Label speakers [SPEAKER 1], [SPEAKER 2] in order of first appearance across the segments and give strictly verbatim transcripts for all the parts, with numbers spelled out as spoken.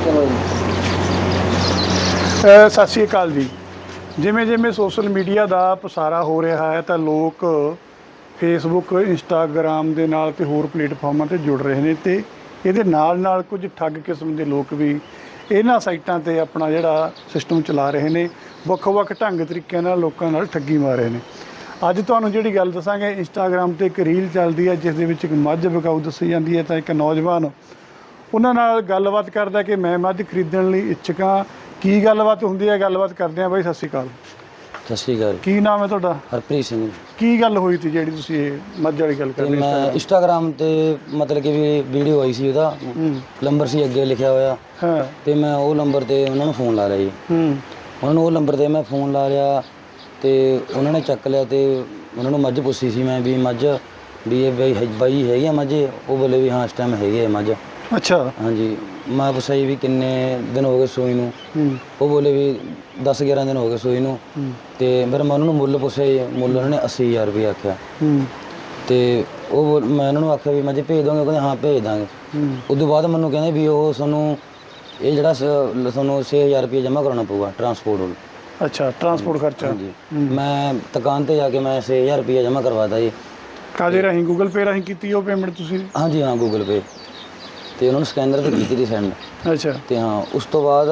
[SPEAKER 1] ਸਤਿ ਸ਼੍ਰੀ ਅਕਾਲ ਜੀ। ਜਿਵੇਂ ਜਿਵੇਂ ਸੋਸ਼ਲ ਮੀਡੀਆ ਦਾ ਪਸਾਰਾ ਹੋ ਰਿਹਾ ਹੈ ਤਾਂ ਲੋਕ ਫੇਸਬੁੱਕ ਇੰਸਟਾਗ੍ਰਾਮ ਦੇ ਨਾਲ ਤੇ ਹੋਰ ਪਲੇਟਫਾਰਮਾਂ 'ਤੇ ਜੁੜ ਰਹੇ ਨੇ ਤੇ ਇਹਦੇ ਨਾਲ ਨਾਲ ਕੁਝ ਠੱਗ ਕਿਸਮ ਦੇ ਲੋਕ ਵੀ ਇਹਨਾਂ ਸਾਈਟਾਂ 'ਤੇ ਆਪਣਾ ਜਿਹੜਾ ਸਿਸਟਮ ਚਲਾ ਰਹੇ ਨੇ, ਵੱਖ-ਵੱਖ ਢੰਗ ਤਰੀਕਿਆਂ ਨਾਲ ਲੋਕਾਂ ਨਾਲ ਠੱਗੀ ਮਾਰ ਰਹੇ ਨੇ। ਅੱਜ ਤੁਹਾਨੂੰ ਜਿਹੜੀ ਗੱਲ ਦੱਸਾਂਗੇ, ਇੰਸਟਾਗ੍ਰਾਮ 'ਤੇ ਇੱਕ ਰੀਲ ਚੱਲਦੀ ਹੈ ਜਿਸ ਦੇ ਵਿੱਚ ਇੱਕ ਮੱਝ ਵਿਕਾਊ ਦੱਸੀ ਜਾਂਦੀ ਹੈ। ਤਾਂ ਇੱਕ ਨੌਜਵਾਨ ਉਹਨਾਂ ਨਾਲ ਗੱਲਬਾਤ ਕਰਦਾ ਕਿ ਮੈਂ ਮੱਝ ਖਰੀਦਣ ਲਈ ਇੱਛੁਕ ਹਾਂ। ਕੀ ਗੱਲਬਾਤ ਹੁੰਦੀ ਹੈ, ਗੱਲਬਾਤ ਕਰਦੇ ਹਾਂ। ਬਾਈ ਸਤਿ ਸ਼੍ਰੀ ਅਕਾਲ।
[SPEAKER 2] ਸਤਿ ਸ਼੍ਰੀ ਅਕਾਲ।
[SPEAKER 1] ਕੀ ਨਾਮ ਹੈ ਤੁਹਾਡਾ?
[SPEAKER 2] ਹਰਪ੍ਰੀਤ ਸਿੰਘ।
[SPEAKER 1] ਕੀ ਗੱਲ ਹੋਈ ਸੀ ਜਿਹੜੀ ਤੁਸੀਂ ਇਹ ਮੱਝ ਵਾਲੀ ਗੱਲ ਕਰਦੇ?
[SPEAKER 2] ਮੈਂ ਇੰਸਟਾਗ੍ਰਾਮ ਤੇ ਮਤਲਬ ਕਿ ਵੀ ਵੀਡੀਓ ਆਈ ਸੀ, ਉਹਦਾ ਨੰਬਰ ਸੀ ਅੱਗੇ ਲਿਖਿਆ ਹੋਇਆ।
[SPEAKER 1] ਹਾਂ। ਤੇ
[SPEAKER 2] ਮੈਂ ਉਹ ਨੰਬਰ ਤੇ ਉਹਨਾਂ ਨੂੰ ਫੋਨ ਲਾ ਲਿਆ ਜੀ।
[SPEAKER 1] ਹੂੰ।
[SPEAKER 2] ਉਹਨਾਂ ਨੂੰ ਉਹ ਨੰਬਰ ਤੇ ਮੈਂ ਫੋਨ ਲਾ ਲਿਆ ਤੇ ਉਹਨਾਂ ਨੇ ਚੱਕ ਲਿਆ ਤੇ ਉਹਨਾਂ ਨੂੰ ਮੱਝ ਪੁੱਛੀ ਸੀ ਮੈਂ ਵੀ ਮੱਝ ਵੀ ਇਹ ਬਾਈ ਬਾਈ ਹੈਗੀ ਆ ਮੱਝ? ਉਹ ਬੋਲੇ ਵੀ ਹਾਂ ਇਸ ਟਾਈਮ ਹੈਗੀ ਆ ਮੱਝ। ਅੱਛਾ। ਹਾਂਜੀ। ਮੈਂ ਪੁੱਛਿਆ ਜੀ ਵੀ ਕਿੰਨੇ ਦਿਨ ਹੋ ਗਏ ਸੂਈ ਨੂੰ? ਉਹ ਬੋਲੇ ਵੀ ਦਸ ਗਿਆਰਾਂ ਦਿਨ ਹੋ ਗਏ ਸੂਈ ਨੂੰ। ਤੇ ਫਿਰ ਮੈਂ ਉਹਨਾਂ ਨੂੰ ਮੁੱਲ ਪੁੱਛਿਆ ਜੀ, ਮੁੱਲ ਉਹਨਾਂ ਨੇ ਅੱਸੀ ਹਜ਼ਾਰ ਰੁਪਏ ਆਖਿਆ। ਤੇ ਉਹ ਮੈਂ ਉਹਨਾਂ ਨੂੰ ਆਖਿਆ ਵੀ ਮੱਝ ਭੇਜ ਦੋਗੇ? ਕਹਿੰਦੇ ਹਾਂ ਭੇਜ ਦਾਂਗੇ। ਉਸ ਤੋਂ ਬਾਅਦ ਮੈਨੂੰ ਕਹਿੰਦੇ ਵੀ ਉਹ ਤੁਹਾਨੂੰ ਇਹ ਜਿਹੜਾ ਤੁਹਾਨੂੰ ਛੇ ਹਜ਼ਾਰ ਰੁਪਏ ਜਮ੍ਹਾਂ ਕਰਾਉਣਾ ਪਊਗਾ ਟਰਾਂਸਪੋਰਟ ਵੱਲ। ਅੱਛਾ, ਟਰਾਂਸਪੋਰਟ ਖਰਚਾ। ਹਾਂਜੀ। ਮੈਂ ਦੁਕਾਨ 'ਤੇ ਜਾ ਕੇ ਮੈਂ ਛੇ ਹਜ਼ਾਰ ਰੁਪਈਆ ਜਮ੍ਹਾਂ ਕਰਵਾਤਾ ਜੀ। ਕਾਹਦੇ ਰਾਹੀਂ? ਗੂਗਲ ਪੇ ਰਾਹੀਂ ਕੀਤੀ ਉਹ ਪੇਮੈਂਟ ਤੁਸੀਂ? ਹਾਂਜੀ ਹਾਂ, ਗੂਗਲ ਪੇ ਤੇ ਉਹਨਾਂ ਨੂੰ ਸਕੈਨਰ 'ਤੇ ਕੀਤੀ ਸੀ ਸੈਂਡ। ਅੱਛਾ। ਤੇ ਹਾਂ ਉਸ ਤੋਂ ਬਾਅਦ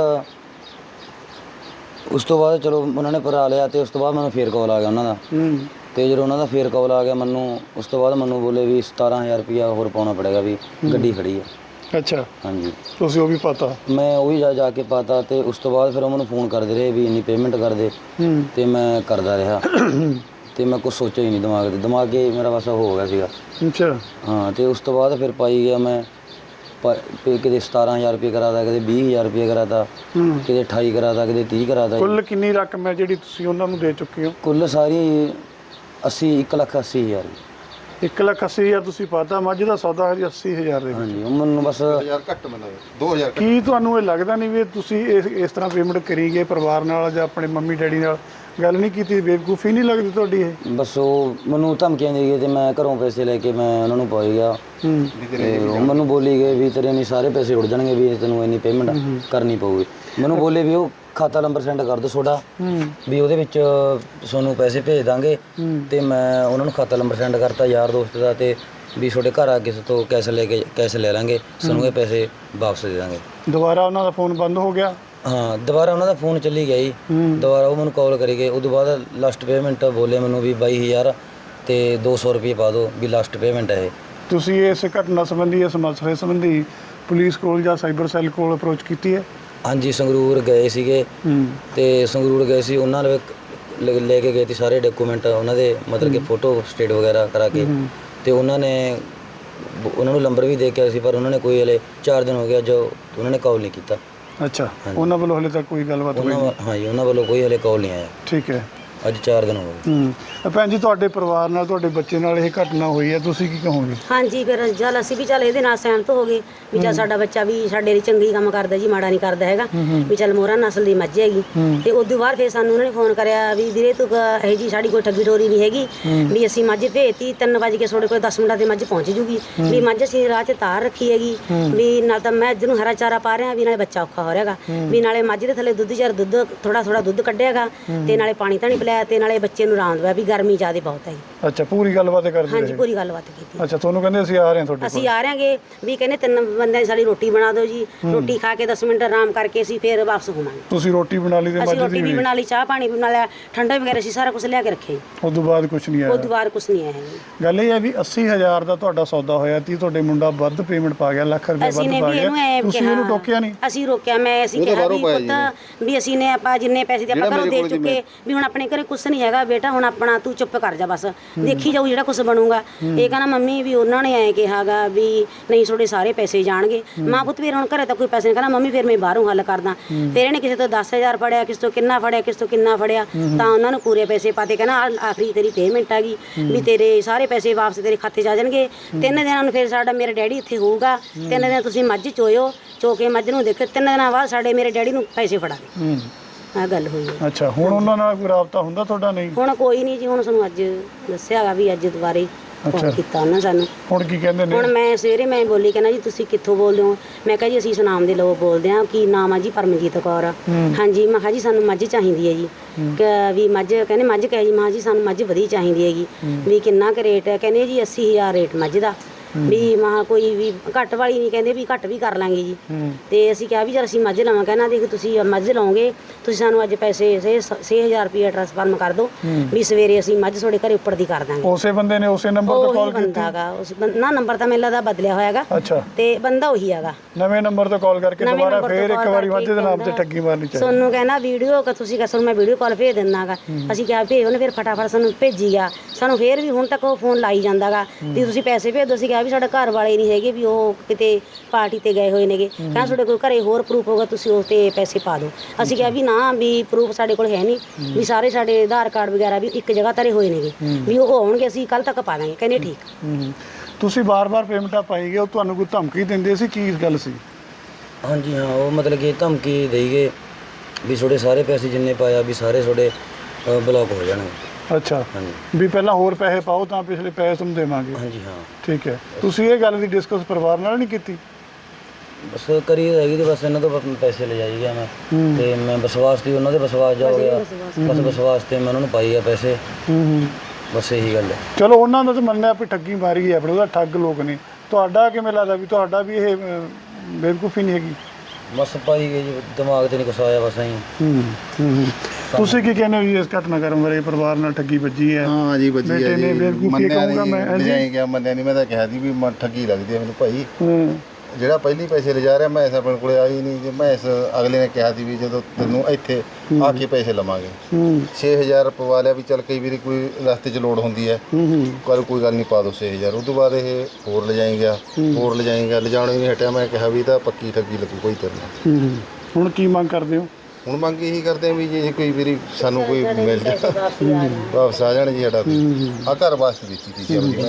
[SPEAKER 2] ਉਸ ਤੋਂ ਬਾਅਦ ਚਲੋ ਉਹਨਾਂ ਨੇ ਭਰਾ ਲਿਆ ਤੇ ਉਸ ਤੋਂ ਬਾਅਦ ਮੈਨੂੰ ਫੇਰ ਕਾਲ ਆ ਗਿਆ ਉਹਨਾਂ ਦਾ। ਤੇ ਜਦੋਂ ਉਹਨਾਂ ਦਾ ਫੇਰ ਕਾਲ ਆ ਗਿਆ ਮੈਨੂੰ, ਉਸ ਤੋਂ ਬਾਅਦ ਮੈਨੂੰ ਬੋਲੇ ਵੀ ਸਤਾਰਾਂ ਹਜ਼ਾਰ ਰੁਪਈਆ ਹੋਰ ਪਾਉਣਾ ਪੜੇਗਾ ਵੀ ਗੱਡੀ ਖੜੀ ਹੈ। ਅੱਛਾ। ਹਾਂਜੀ। ਤੁਸੀਂ ਉਹ ਵੀ ਪਾਤਾ? ਮੈਂ ਉਹ ਵੀ ਜਾ ਜਾ ਕੇ ਪਾਤਾ ਤੇ ਉਸ ਤੋਂ ਬਾਅਦ ਫਿਰ ਉਹ ਮੈਨੂੰ ਫੋਨ ਕਰਦੇ ਰਹੇ ਵੀ ਇੰਨੀ ਪੇਮੈਂਟ ਕਰ ਦੇ। ਤੇ ਮੈਂ ਕਰਦਾ ਰਿਹਾ ਤੇ ਮੈਂ ਕੁਛ ਸੋਚਿਆ ਹੀ ਨਹੀਂ ਦਿਮਾਗ ਤੇ, ਦਿਮਾਗ ਹੀ ਮੇਰਾ ਬਸ ਹੋ ਗਿਆ ਸੀਗਾ। ਅੱਛਾ। ਹਾਂ। ਤੇ ਉਸ ਤੋਂ ਬਾਅਦ ਫਿਰ ਪਾਈ ਗਿਆ ਮੈਂ ਕਿਤੇ ਸਤਾਰਾਂ ਹਜ਼ਾਰ ਰੁਪਏ ਕਰਾਤਾ, ਕਿਤੇ ਵੀਹ ਹਜ਼ਾਰ ਰੁਪਏ ਕਰਾਤਾ, ਕਿਤੇ ਅਠਾਈ ਕਰਾਤਾ, ਕਿਤੇ ਤੀਹ ਕਰਾਤਾ। ਕੁੱਲ ਕਿੰਨੀ ਰਕਮ ਹੈ ਜਿਹੜੀ ਤੁਸੀਂ ਉਹਨਾਂ ਨੂੰ ਦੇ ਚੁੱਕੇ ਹੋ? ਕੁੱਲ ਸਾਰੀ ਅੱਸੀ ਇੱਕ ਲੱਖ ਅੱਸੀ ਹਜ਼ਾਰ। ਇੱਕ ਲੱਖ ਅੱਸੀ ਹਜ਼ਾਰ ਤੁਸੀਂ ਪਾਤਾ। ਮੱਝ ਦਾ ਸੌਦਾ ਹੈ ਅੱਸੀ ਹਜ਼ਾਰ ਦੇ ਵਿੱਚ। ਹਾਂਜੀ। ਉਹ ਮੈਨੂੰ ਬਸ ਹਜ਼ਾਰ ਘੱਟ ਮਿਲਦਾ, ਦੋ ਹਜ਼ਾਰ। ਕੀ ਤੁਹਾਨੂੰ ਇਹ ਲੱਗਦਾ ਨਹੀਂ ਵੀ ਤੁਸੀਂ ਇਸ ਇਸ ਤਰ੍ਹਾਂ ਪੇਮੈਂਟ ਕਰੀ ਗਏ ਪਰਿਵਾਰ ਨਾਲ ਜਾਂ ਆਪਣੇ ਮੰਮੀ ਡੈਡੀ ਨਾਲ ਗੱਲ ਨਹੀਂ ਕੀਤੀ? ਬੇਵਕੂਫੀ ਨਹੀਂ ਲੱਗਦੀ ਤੁਹਾਡੀ ਇਹ? ਬਸ ਉਹ ਮੈਨੂੰ ਧਮਕੀਆਂ ਦੇ ਗਏ ਤੇ ਮੈਂ ਘਰੋਂ ਪੈਸੇ ਲੈ ਕੇ ਮੈਂ ਉਹਨਾਂ ਨੂੰ ਪਾਈ ਗਿਆ। ਤੇ ਉਹ ਮੈਨੂੰ ਬੋਲੀ ਗਏ ਵੀ ਤੇਰੇ ਨਹੀਂ ਸਾਰੇ ਪੈਸੇ ਉੱਡ ਜਾਣਗੇ ਵੀ ਤੈਨੂੰ ਇੰਨੀ ਪੇਮੈਂਟ ਕਰਨੀ ਪਊਗੀ। ਮੈਨੂੰ ਬੋਲੇ ਵੀ ਉਹ ਖਾਤਾ ਨੰਬਰ ਸੈਂਡ ਕਰ ਦਿਓ ਤੁਹਾਡਾ ਵੀ ਉਹਦੇ ਵਿੱਚ ਤੁਹਾਨੂੰ ਪੈਸੇ ਭੇਜ ਦਾਂਗੇ। ਤੇ ਮੈਂ ਉਹਨਾਂ ਨੂੰ ਖਾਤਾ ਨੰਬਰ ਸੈਂਡ ਕਰਤਾ ਯਾਰ ਦੋਸਤ ਦਾ ਤੇ ਵੀ ਤੁਹਾਡੇ ਘਰ ਆ ਕਿਸੇ ਤੋਂ ਕੈਸ਼ ਲੈ ਕੇ ਕੈਸ਼ ਲੈ ਲਾਂਗੇ, ਸਾਨੂੰ ਇਹ ਪੈਸੇ ਵਾਪਸ ਦੇ ਦਾਂਗੇ। ਦੁਬਾਰਾ ਉਹਨਾਂ ਦਾ ਫੋਨ ਬੰਦ ਹੋ ਗਿਆ? ਹਾਂ, ਦੁਬਾਰਾ ਉਹਨਾਂ ਦਾ ਫੋਨ ਚੱਲੀ ਗਿਆ ਜੀ। ਦੁਬਾਰਾ ਉਹ ਮੈਨੂੰ ਕਾਲ ਕਰੀ ਗਏ। ਉਦੋਂ ਬਾਅਦ ਲਾਸਟ ਪੇਮੈਂਟ ਬੋਲੇ ਮੈਨੂੰ ਵੀ ਬਾਈ ਹਜ਼ਾਰ ਤੇ ਦੋ ਸੌ ਰੁਪਏ ਪਾ ਦਿਓ ਵੀ ਲਾਸਟ ਪੇਮੈਂਟ ਹੈ ਇਹ। ਤੁਸੀਂ ਇਸ ਘਟਨਾ ਸੰਬੰਧੀ, ਇਸ ਮਸਲੇ ਸੰਬੰਧੀ ਪੁਲਿਸ ਕੋਲ ਜਾਂ ਸਾਈਬਰ ਸੈੱਲ ਕੋਲ ਅਪਰੋਚ ਕੀਤੀ ਹੈ? ਹਾਂਜੀ, ਸੰਗਰੂਰ ਗਏ ਸੀਗੇ ਤੇ ਸੰਗਰੂਰ ਗਏ ਸੀ, ਉਹਨਾਂ ਨੇ ਲੈ ਕੇ ਗਏ ਸੀ ਸਾਰੇ ਡਾਕੂਮੈਂਟ ਉਹਨਾਂ ਦੇ, ਮਤਲਬ ਕਿ ਫੋਟੋ ਸਟੇਟ ਵਗੈਰਾ ਕਰਾ ਕੇ। ਤੇ ਉਹਨਾਂ ਨੇ ਉਹਨਾਂ ਨੂੰ ਨੰਬਰ ਵੀ ਦੇ ਕੇ ਆਏ ਸੀ ਪਰ ਉਹਨਾਂ ਨੇ ਕੋਈ ਹਲੇ ਚਾਰ ਦਿਨ ਹੋ ਗਿਆ ਜੋ ਉਹਨਾਂ ਨੇ ਕਾਲ ਨਹੀਂ ਕੀਤਾ। ਅੱਛਾ। ਉਹਨਾਂ ਵੱਲੋਂ ਹਲੇ ਤੱਕ ਕੋਈ ਗੱਲਬਾਤ ਹੋਈ ਨਹੀਂ? ਹਾਂਜੀ, ਉਹਨਾਂ ਵੱਲੋਂ ਕੋਈ ਹਲੇ ਕਾਲ ਨਹੀਂ ਆਇਆ। ਠੀਕ ਹੈ। ਅੱਜ ਚਾਰ ਦਿਨ ਹੋ ਗਏ। ਹੂੰ। ਭੈਣ ਜੀ, ਤੁਹਾਡੇ ਪਰਿਵਾਰ ਨਾਲ, ਤੁਹਾਡੇ ਬੱਚੇ ਨਾਲ ਇਹ ਘਟਨਾ ਹੋਈ ਹੈ, ਤੁਸੀਂ ਕੀ ਕਹੋਗੇ? ਹਾਂਜੀ, ਫਿਰ ਚੱਲ ਅਸੀਂ ਵੀ ਚੱਲ ਇਹਦੇ ਨਾਲ ਸਹਿਮਤ ਹੋ ਗਏ ਵੀ ਚੱਲ ਸਾਡਾ ਬੱਚਾ ਵੀ ਸਾਡੇ ਲਈ ਚੰਗੀ ਕੰਮ ਕਰਦਾ ਜੀ, ਮਾੜਾ ਨਹੀਂ ਕਰਦਾ ਹੈਗਾ ਵੀ ਚੱਲ ਮੋਹਰਾ ਨਸਲ ਦੀ ਮੱਝ ਹੈਗੀ। ਤੇ ਉਸ ਤੋਂ ਬਾਅਦ ਫਿਰ ਸਾਨੂੰ ਉਹਨਾਂ ਨੇ ਫੋਨ ਕਰਿਆ ਵੀ ਵੀਰੇ ਤੂੰ ਇਹ ਜੀ ਸਾਡੀ ਕੋਈ ਠੱਗੀ ਠੋਰੀ ਨਹੀਂ ਹੈਗੀ ਵੀ ਅਸੀਂ ਮੱਝ ਭੇਜਤੀ, ਤਿੰਨ ਵਜੇ ਕੇ ਤੁਹਾਡੇ ਕੋਲ ਦਸ ਮਿੰਟਾਂ ਤੇ ਮੱਝ ਪਹੁੰਚ ਜੂਗੀ ਵੀ ਮੱਝ ਅਸੀਂ ਰਾਹ 'ਚ ਤਾਰ ਰੱਖੀ ਹੈਗੀ ਵੀ ਨਾਲ ਤਾਂ ਮੈਂ ਨੂੰ ਹਰਾ ਚਾਰਾ ਪਾ ਰਿਹਾ ਵੀ ਨਾਲੇ ਬੱਚਾ ਔਖਾ ਹੋ ਰਿਹਾਗਾ ਵੀ ਨਾਲੇ ਮੱਝ ਦੇ ਥੱਲੇ ਦੁੱਧ ਚਾਰ ਦੁੱਧ ਥੋੜਾ ਥੋੜਾ ਦੁੱਧ ਕੱਢਿਆਗਾ ਤੇ ਨਾਲੇ ਪਾਣੀ ਧਾਣੀ ਪਿਲਾਇਆ ਤੇ ਨਾਲੇ ਬੱਚੇ ਨੂੰ ਆਰਾਮ ਦਵਾ ਵੀ ਗਰਮੀ ਜ਼ਿਆਦਾ ਬਹੁਤ ਹੈ। ਅੱਛਾ, ਪੂਰੀ ਗੱਲਬਾਤ ਕਰਦੇ? ਹਾਂਜੀ, ਪੂਰੀ ਗੱਲਬਾਤ ਕੀਤੀ। ਅੱਛਾ, ਤੁਹਾਨੂੰ ਕਹਿੰਦੇ ਅਸੀਂ ਆ ਰਹੇ ਹਾਂ ਤੁਹਾਡੇ ਕੋਲ? ਅਸੀਂ ਆ ਰਹੇਗੇ ਵੀ ਕਹਿੰਦੇ ਤਿੰਨ ਬੰਦਿਆਂ ਦੀ ਸਾਡੀ ਰੋਟੀ ਬਣਾ ਦਿਓ ਜੀ, ਰੋਟੀ ਖਾ ਕੇ ਦਸ ਮਿੰਟ ਆਰਾਮ ਕਰਕੇ ਅਸੀਂ ਫਿਰ ਵਾਪਸ ਹੋਵਾਂਗੇ। ਤੁਸੀਂ ਰੋਟੀ ਬਣਾ ਲਈ? ਅਸੀਂ ਰੋਟੀ ਵੀ ਬਣਾ ਲਈ, ਚਾਹ ਪਾਣੀ ਵੀ ਬਣਾ ਲਿਆ, ਠੰਡਾ ਵਗੈਰਾ ਅਸੀਂ ਸਾਰਾ ਕੁਝ ਲਿਆ ਕੇ ਰੱਖੇ। ਉਸ ਤੋਂ ਬਾਅਦ ਕੁਝ ਨਹੀਂ ਆਇਆ? ਉਸ ਤੋਂ ਬਾਅਦ ਕੁਝ ਨਹੀਂ ਆਇਆ। ਗੱਲ ਇਹ ਹੈ ਵੀ ਅੱਸੀ ਹਜ਼ਾਰ ਦਾ ਤੁਹਾਡਾ ਸੌਦਾ ਹੋਇਆ ਤੀ, ਤੁਹਾਡੇ ਮੁੰਡਾ ਵੱਧ ਪੇਮੈਂਟ ਪਾ ਗਿਆ, ਲੱਖ ਰੁਪਏ ਵੱਧ ਪਾ ਗਿਆ, ਤੁਸੀਂ ਉਹਨੂੰ ਟੋਕਿਆ ਨਹੀਂ? ਅਸੀਂ ਰੋਕਿਆ, ਮੈਂ ਅਸੀਂ ਕਿਹਾ ਵੀ ਪੁੱਤ ਵੀ ਅਸੀਂ ਨੇ ਆਪਾਂ ਜਿੰਨੇ ਪੈਸੇ ਦੇ ਆਪਾਂ ਘਰੋਂ ਦੇ ਚੁੱਕੇ ਵੀ ਹੁਣ ਆਪਣੇ ਘਰੇ ਕੁਝ ਨਹੀਂ ਹੈਗਾ ਬੇਟਾ, ਹੁਣ ਆਪਣਾ ਤੂੰ ਚੁੱਪ ਕਰ ਜਾ, ਬਸ ਦੇਖੀ ਜਾਊ ਜਿਹੜਾ ਕੁਝ ਬਣੂਗਾ। ਇਹ ਕਹਿੰਦਾ ਮੰਮੀ ਵੀ ਉਹਨਾਂ ਨੇ ਐਂ ਕਿਹਾਗਾ ਵੀ ਨਹੀਂ ਤੁਹਾਡੇ ਸਾਰੇ ਪੈਸੇ ਜਾਣਗੇ। ਮਾਂ ਪੁੱਤ ਫਿਰ ਹੁਣ ਘਰੇ ਤਾਂ ਕੋਈ ਪੈਸੇ ਨਹੀਂ, ਕਹਿੰਦਾ ਮੰਮੀ ਫਿਰ ਮੈਂ ਬਾਹਰੋਂ ਹੱਲ ਕਰਦਾ। ਫਿਰ ਇਹਨੇ ਕਿਸੇ ਤੋਂ ਦਸ ਹਜ਼ਾਰ ਫੜਿਆ, ਕਿਸੇ ਤੋਂ ਕਿੰਨਾ ਫੜਿਆ, ਕਿਸੇ ਤੋਂ ਕਿੰਨਾ ਫੜਿਆ, ਤਾਂ ਉਹਨਾਂ ਨੂੰ ਪੂਰੇ ਪੈਸੇ ਪਾਤੇ। ਕਹਿੰਦਾ ਆਖਰੀ ਤੇਰੀ ਪੇਮੈਂਟ ਆ ਗਈ ਵੀ ਤੇਰੇ ਸਾਰੇ ਪੈਸੇ ਵਾਪਸ ਤੇਰੇ ਖਾਤੇ 'ਚ ਆ ਜਾਣਗੇ। ਤਿੰਨ ਦਿਨਾਂ ਨੂੰ ਫਿਰ ਸਾਡਾ ਮੇਰੇ ਡੈਡੀ ਇੱਥੇ ਹੋਊਗਾ, ਤਿੰਨ ਦਿਨ ਤੁਸੀਂ ਮੱਝ ਚੋਇਓ, ਚੋ ਕੇ ਮੱਝ ਨੂੰ ਦੇਖੋ, ਤਿੰਨ ਦਿਨਾਂ ਬਾਅਦ ਸਾਡੇ ਮੇਰੇ ਡੈਡੀ ਨੂੰ ਪੈਸੇ ਫੜਾ ਦੇ। ਆ ਗੱਲ ਹੋਈ ਹੈ। ਅੱਛਾ, ਹੁਣ ਉਹਨਾਂ ਨਾਲ ਕੋਈ ਰਾਬਤਾ ਹੁੰਦਾ ਤੁਹਾਡਾ? ਨਹੀਂ, ਹੁਣ ਕੋਈ ਨਹੀਂ ਜੀ, ਹੁਣ ਸਾਨੂੰ ਅੱਜ ਦੱਸਿਆਗਾ ਵੀ ਅੱਜ ਦੁਬਾਰੇ
[SPEAKER 1] ਅੱਛਾ।
[SPEAKER 3] ਫੋਨ ਕੀਤਾ ਉਹਨਾਂ ਸਾਨੂੰ।
[SPEAKER 1] ਹੁਣ ਕੀ ਕਹਿੰਦੇ ਨੇ?
[SPEAKER 3] ਹੁਣ ਮੈਂ ਸਵੇਰੇ ਮੈਂ ਬੋਲੀ, ਕਹਿੰਦਾ ਜੀ ਤੁਸੀਂ ਕਿੱਥੋਂ ਬੋਲਦੇ ਹੋ? ਮੈਂ ਕਿਹਾ ਜੀ ਅਸੀਂ ਸੁਨਾਮ ਦੇ ਲੋਕ ਬੋਲਦੇ ਹਾਂ। ਕੀ ਨਾਮ ਆ ਜੀ? ਪਰਮਜੀਤ ਕੌਰ ਆ। ਹਾਂਜੀ। ਮੈਂ ਕਿਹਾ ਜੀ ਸਾਨੂੰ ਮੱਝ ਚਾਹੀਦੀ ਹੈ ਜੀ। ਕਿ ਵੀ ਮੱਝ, ਕਹਿੰਦੇ ਮੱਝ ਕਹੇ ਜੀ? ਮੈਂ ਕਿਹਾ ਜੀ ਸਾਨੂੰ ਮੱਝ ਵਧੀਆ ਚਾਹੀਦੀ ਹੈਗੀ। ਵੀ ਕਿੰਨਾ ਕੁ ਰੇਟ ਹੈ? ਕਹਿੰਦੇ ਜੀ ਅੱਸੀ ਹਜ਼ਾਰ ਰੇਟ ਮੱਝ ਦਾ। ਵੀ ਮਹਾ ਕੋਈ ਵੀ ਘੱਟ ਵਾਲੀ ਨਹੀਂ, ਕਹਿੰਦੇ ਵੀ ਘੱਟ ਵੀ ਕਰ ਲਾਂਗੇ ਜੀ। ਤੇ ਅਸੀਂ ਕਿਹਾ ਵੀ ਜਦ ਅਸੀਂ ਮੱਝ ਲਵਾਂ, ਕਹਿੰਦਾ ਦੇਖ ਤੁਸੀਂ ਮੱਝ ਲਓਗੇ, ਤੁਸੀਂ ਸਾਨੂੰ ਅੱਜ ਪੈਸੇ ਛੇ ਹਜ਼ਾਰ ਰੁਪਇਆ ਟ੍ਰਾਂਸਫਰ ਕਰ ਦਿਓ, ਵੀ ਸਵੇਰੇ ਅਸੀਂ ਮੱਝ ਤੁਹਾਡੇ ਘਰੇ ਉੱਪਰ ਦੀ ਕਰ ਦਾਂਗੇ।
[SPEAKER 1] ਉਸੇ ਬੰਦੇ ਨੇ ਉਸੇ ਨੰਬਰ ਤੋਂ ਕਾਲ ਕੀਤੀ?
[SPEAKER 3] ਬੰਦਾ ਹੈਗਾ ਉਸ ਨਾ, ਨੰਬਰ ਤਾਂ ਮੈਨੂੰ ਲੱਗਦਾ ਬਦਲਿਆ ਹੋਇਆ ਹੈਗਾ।
[SPEAKER 1] ਅੱਛਾ।
[SPEAKER 3] ਤੇ ਬੰਦਾ ਉਹੀ ਹੈਗਾ।
[SPEAKER 1] ਨਵੇਂ ਨੰਬਰ ਤੋਂ ਕਾਲ ਕਰਕੇ ਦੁਬਾਰਾ ਫੇਰ ਇੱਕ ਵਾਰੀ ਮੱਝ ਦੇ ਨਾਮ ਤੇ ਠੱਗੀ ਮਾਰਨੀ ਚਾਹੀਦੀ।
[SPEAKER 3] ਸਾਨੂੰ ਕਹਿੰਦਾ ਵੀਡੀਓ ਕਿ ਤੁਸੀਂ ਕਸਰ ਮੈਂ ਵੀਡੀਓ ਕਾਲ ਭੇਜ ਦਿੰਦਾ ਗਾ। ਅਸੀਂ ਕਿਹਾ ਭੇਜ, ਉਹਨੇ ਫਿਰ ਫਟਾਫਟ ਸਾਨੂੰ ਭੇਜੀ ਗਿਆ। ਸਾਨੂੰ ਫੇਰ ਵੀ ਹੁਣ ਤੱਕ ਉਹ ਫੋਨ ਲਾਈ ਜਾਂਦਾ ਗਾ ਵੀ ਤੁਸੀਂ ਪੈਸੇ ਭੇਜ ਦਿਓ। ਅਸੀਂ ਕਿਹਾ ਵੀ ਸਾਡਾ ਘਰ ਵਾਲੇ ਨਹੀਂ ਹੈਗੇ, ਵੀ ਉਹ ਕਿਤੇ ਪਾਰਟੀ ਤੇ ਗਏ ਹੋਏ ਨੇਗੇ। ਕਹਿੰਦਾ ਤੁਹਾਡੇ ਕੋਲ ਘਰੇ ਹੋਰ ਪ੍ਰੂਫ ਹੋਗਾ, ਤੁਸੀਂ ਉਸ ਤੇ ਪੈਸੇ ਪਾ ਦਿਓ। ਅਸੀਂ ਕਿਹਾ ਵੀ ਨਾ, ਵੀ ਪ੍ਰੂਫ ਸਾਡੇ ਕੋਲ ਹੈ ਨਹੀਂ, ਵੀ ਸਾਰੇ ਸਾਡੇ ਆਧਾਰ ਕਾਰਡ ਵਗੈਰਾ ਵੀ ਇੱਕ ਜਗ੍ਹਾ ਧਰੇ ਹੋਏ ਨੇਗੇ, ਵੀ ਉਹ ਆਉਣਗੇ ਅਸੀਂ ਕੱਲ ਤੱਕ ਪਾ ਦਾਂਗੇ। ਕਹਿੰਦੇ ਠੀਕ।
[SPEAKER 1] ਤੁਸੀਂ ਬਾਰ-ਬਾਰ ਪੇਮੈਂਟਾਂ ਪਾਈ ਗਏ, ਉਹ ਤੁਹਾਨੂੰ ਕੋਈ ਧਮਕੀ ਦਿੰਦੇ ਸੀ? ਕੀ ਗੱਲ ਸੀ?
[SPEAKER 2] ਹਾਂਜੀ ਹਾਂ, ਉਹ ਮਤਲਬ ਕਿ ਧਮਕੀ ਦੇਈ ਗਏ ਵੀ ਤੁਹਾਡੇ ਸਾਰੇ ਪੈਸੇ ਜਿੰਨੇ ਪਾਇਆ ਵੀ ਸਾਰੇ ਤੁਹਾਡੇ ਬਲੌਕ ਹੋ ਜਾਣਗੇ।
[SPEAKER 1] ਅੱਛਾ।
[SPEAKER 2] ਹਾਂਜੀ।
[SPEAKER 1] ਵੀ ਪਹਿਲਾਂ ਹੋਰ ਪੈਸੇ ਪਾਓ ਤਾਂ ਪਿਛਲੇ ਪੈਸੇ ਤੁਹਾਨੂੰ ਦੇਵਾਂਗੇ।
[SPEAKER 2] ਹਾਂਜੀ ਹਾਂ।
[SPEAKER 1] ਠੀਕ ਹੈ। ਤੁਸੀਂ ਇਹ ਗੱਲ ਦੀ ਡਿਸਕਸ ਪਰਿਵਾਰ ਨਾਲ ਨਹੀਂ ਕੀਤੀ?
[SPEAKER 2] ਬਸ ਕਰੀ ਹੈਗੀ ਤੇ ਬਸ ਇਹਨਾਂ ਤੋਂ ਪੈਸੇ ਲੈ ਜਾਈ ਗਿਆ ਮੈਂ। ਤੇ ਮੈਂ ਵਿਸ਼ਵਾਸ ਤੇ ਉਹਨਾਂ ਦੇ ਵਿਸ਼ਵਾਸ ਜਾ ਹੋ ਗਿਆ, ਬਸ ਵਿਸ਼ਵਾਸ ਤੇ ਮੈਂ ਉਹਨਾਂ ਨੂੰ ਪਾਈ ਆ ਪੈਸੇ। ਬਸ ਇਹੀ ਗੱਲ ਹੈ।
[SPEAKER 1] ਚਲੋ ਉਹਨਾਂ ਦਾ ਤਾਂ ਮੰਨਿਆ ਵੀ ਠੱਗੀ ਮਾਰੀ ਹੈ ਆਪਣੇ, ਉਹਦਾ ਠੱਗ ਲੋਕ ਨੇ। ਤੁਹਾਡਾ ਕਿਵੇਂ ਲੱਗਦਾ ਵੀ ਤੁਹਾਡਾ ਵੀ ਇਹ ਬੇਵਕੂਫੀ ਨਹੀਂ ਹੈਗੀ?
[SPEAKER 2] ਬਸ ਪਾਈ ਗਈ ਜੀ, ਦਿਮਾਗ ਤੇ ਨਹੀਂ ਕੁਛ ਆਇਆ ਬਸ ਐਂ।
[SPEAKER 1] ਹੂੰ ਹੂੰ। ਤੁਸੀਂ ਕੀ ਕਹਿੰਦੇ ਹੋ ਜੀ ਇਸ ਘਟਨਾਕ੍ਰਮ ਬਾਰੇ? ਪਰਿਵਾਰ ਨਾਲ ਠੱਗੀ ਵੱਜੀ ਹੈ?
[SPEAKER 4] ਹਾਂ ਜੀ ਵੱਜੀ ਹੈ ਜੀ। ਮੰਨਿਆ ਨਹੀਂ, ਲਿਜਾਈ ਗਿਆ, ਮੰਨਿਆ ਨਹੀਂ। ਮੈਂ ਤਾਂ ਕਿਹਾ ਸੀ ਵੀ ਮ ਠੱਗੀ ਲੱਗਦੀ ਹੈ ਮੈਨੂੰ ਭਾਈ। ਜਿਹੜਾ ਪਹਿਲੀ ਪੈਸੇ ਲਿਜਾ ਰਿਹਾ, ਮੈਂ ਇਸ ਆਪਣੇ ਕੋਲੇ ਆਈ ਨਹੀਂ। ਜੇ ਮੈਂ ਇਸ ਅਗਲੇ ਨੇ ਕਿਹਾ ਸੀ ਵੀ ਜਦੋਂ ਤੈਨੂੰ ਇੱਥੇ ਆ ਕੇ ਪੈਸੇ ਲਵਾਂਗੇ, ਛੇ ਹਜ਼ਾਰ ਪਵਾ ਲਿਆ ਵੀ ਚੱਲ ਕਈ ਵਾਰੀ ਕੋਈ ਰਸਤੇ 'ਚ ਲੋੜ ਹੁੰਦੀ ਹੈ, ਕੱਲ ਕੋਈ ਗੱਲ ਨਹੀਂ ਪਾ ਦਿਓ ਛੇ ਹਜ਼ਾਰ। ਉਹ ਤੋਂ ਬਾਅਦ ਇਹ ਹੋਰ ਲਿਜਾਈ ਗਿਆ, ਹੋਰ ਲਿਜਾਈ ਗਿਆ, ਲਿਜਾਣੋਂ ਹੀ ਨਹੀਂ ਹਟਿਆ। ਮੈਂ ਕਿਹਾ ਵੀ ਤਾਂ ਪੱਕੀ ਠੱਗੀ ਲੱਗੂ ਕੋਈ ਤੇਰੇ ਨਾਲ।
[SPEAKER 1] ਹੁਣ ਕੀ ਮੰਗ ਕਰਦੇ ਹੋ?
[SPEAKER 4] ਹੁਣ ਮੰਗ ਇਹੀ ਕਰਦੇ ਆ ਵੀ ਜੇ ਕੋਈ ਵਾਰੀ ਸਾਨੂੰ ਕੋਈ ਮਿਲ ਜਾ, ਵਾਪਸ ਆ ਜਾਣ ਜੀ ਸਾਡਾ। ਆ ਘਰ ਵਾਸਤੇ ਦਿੱਤੀ ਸੀ ਜੀ।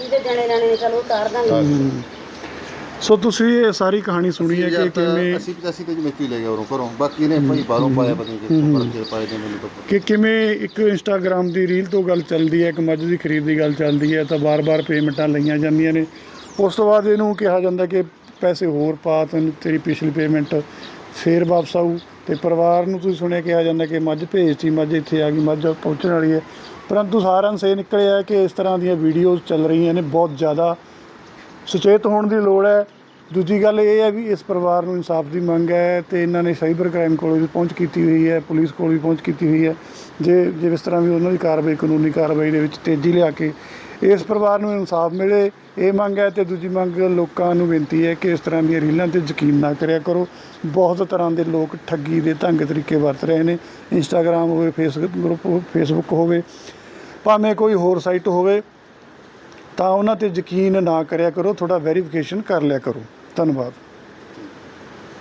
[SPEAKER 1] ਸੋ ਤੁਸੀਂ ਇਹ ਸਾਰੀ ਕਹਾਣੀ ਸੁਣੀ ਹੈ ਕਿ ਕਿਵੇਂ
[SPEAKER 4] ਅਸੀਂ ਪਚਾਸੀ ਤੇ ਜਿਵੇਂ ਲੈ ਗਿਆ ਉਰੋਂ ਘਰੋਂ, ਬਾਕੀ ਨੇ ਭਾਈ ਬਾਹਰੋਂ ਪਾਇਆ, ਪਤਾ ਨਹੀਂ ਕਿੱਥੋਂ ਪਾਏ ਨੇ ਮੈਨੂੰ ਤਾਂ।
[SPEAKER 1] ਕਿ ਕਿਵੇਂ ਇੱਕ ਇੰਸਟਾਗ੍ਰਾਮ ਦੀ ਰੀਲ ਤੋਂ ਗੱਲ ਚੱਲਦੀ ਹੈ, ਇੱਕ ਮੱਝ ਦੀ ਖਰੀਦ ਦੀ ਗੱਲ ਚੱਲਦੀ ਹੈ, ਤਾਂ ਬਾਰ-ਬਾਰ ਪੇਮੈਂਟਾਂ ਲਈਆਂ ਜਾਂਦੀਆਂ ਨੇ। ਉਸ ਤੋਂ ਬਾਅਦ ਇਹਨੂੰ ਕਿਹਾ ਜਾਂਦਾ ਕਿ ਪੈਸੇ ਹੋਰ ਪਾ, ਤੈਨੂੰ ਤੇਰੀ ਪਿਛਲੀ ਪੇਮੈਂਟ ਫੇਰ ਵਾਪਸ ਆਊ। ਅਤੇ ਪਰਿਵਾਰ ਨੂੰ ਤੁਸੀਂ ਸੁਣਿਆ ਕਿਹਾ ਜਾਂਦਾ ਕਿ ਮੱਝ ਭੇਜਤੀ, ਮੱਝ ਇੱਥੇ ਆ ਗਈ, ਮੱਝ ਪਹੁੰਚਣ ਵਾਲੀ ਹੈ। ਪਰੰਤੂ ਸਾਰਾਂਸ਼ ਇਹ ਨਿਕਲਿਆ ਕਿ ਇਸ ਤਰ੍ਹਾਂ ਦੀਆਂ ਵੀਡੀਓਜ਼ ਚੱਲ ਰਹੀਆਂ ਨੇ। ਬਹੁਤ ਜ਼ਿਆਦਾ ਸੁਚੇਤ ਹੋਣ ਦੀ ਲੋੜ ਹੈ। ਦੂਜੀ ਗੱਲ ਇਹ ਹੈ ਵੀ ਇਸ ਪਰਿਵਾਰ ਨੂੰ ਇਨਸਾਫ ਦੀ ਮੰਗ ਹੈ, ਅਤੇ ਇਹਨਾਂ ਨੇ ਸਾਈਬਰ ਕ੍ਰਾਈਮ ਕੋਲ ਵੀ ਪਹੁੰਚ ਕੀਤੀ ਹੋਈ ਹੈ, ਪੁਲਿਸ ਕੋਲ ਵੀ ਪਹੁੰਚ ਕੀਤੀ ਹੋਈ ਹੈ। ਜੇ ਜੇ ਇਸ ਤਰ੍ਹਾਂ ਵੀ ਉਹਨਾਂ ਦੀ ਕਾਰਵਾਈ, ਕਾਨੂੰਨੀ ਕਾਰਵਾਈ ਦੇ ਵਿੱਚ ਤੇਜ਼ੀ ਲਿਆ ਕੇ ਇਸ ਪਰਿਵਾਰ ਨੂੰ ਇਨਸਾਫ ਮਿਲੇ, ਇਹ ਮੰਗ ਹੈ। ਅਤੇ ਦੂਜੀ ਮੰਗ ਲੋਕਾਂ ਨੂੰ ਬੇਨਤੀ ਹੈ ਕਿ ਇਸ ਤਰ੍ਹਾਂ ਦੀਆਂ ਰੀਲਾਂ 'ਤੇ ਯਕੀਨ ਨਾ ਕਰਿਆ ਕਰੋ। ਬਹੁਤ ਤਰ੍ਹਾਂ ਦੇ ਲੋਕ ਠੱਗੀ ਦੇ ਢੰਗ ਤਰੀਕੇ ਵਰਤ ਰਹੇ ਨੇ। ਇੰਸਟਾਗ੍ਰਾਮ ਹੋਵੇ, ਫੇਸਬੁੱਕ ਗਰੁੱਪ ਫੇਸਬੁੱਕ ਹੋਵੇ, ਭਾਵੇਂ ਕੋਈ ਹੋਰ ਸਾਈਟ ਹੋਵੇ, ਤਾਂ ਉਹਨਾਂ 'ਤੇ ਯਕੀਨ ਨਾ ਕਰਿਆ ਕਰੋ। ਥੋੜ੍ਹਾ ਵੈਰੀਫਿਕੇਸ਼ਨ ਕਰ ਲਿਆ ਕਰੋ। ਧੰਨਵਾਦ।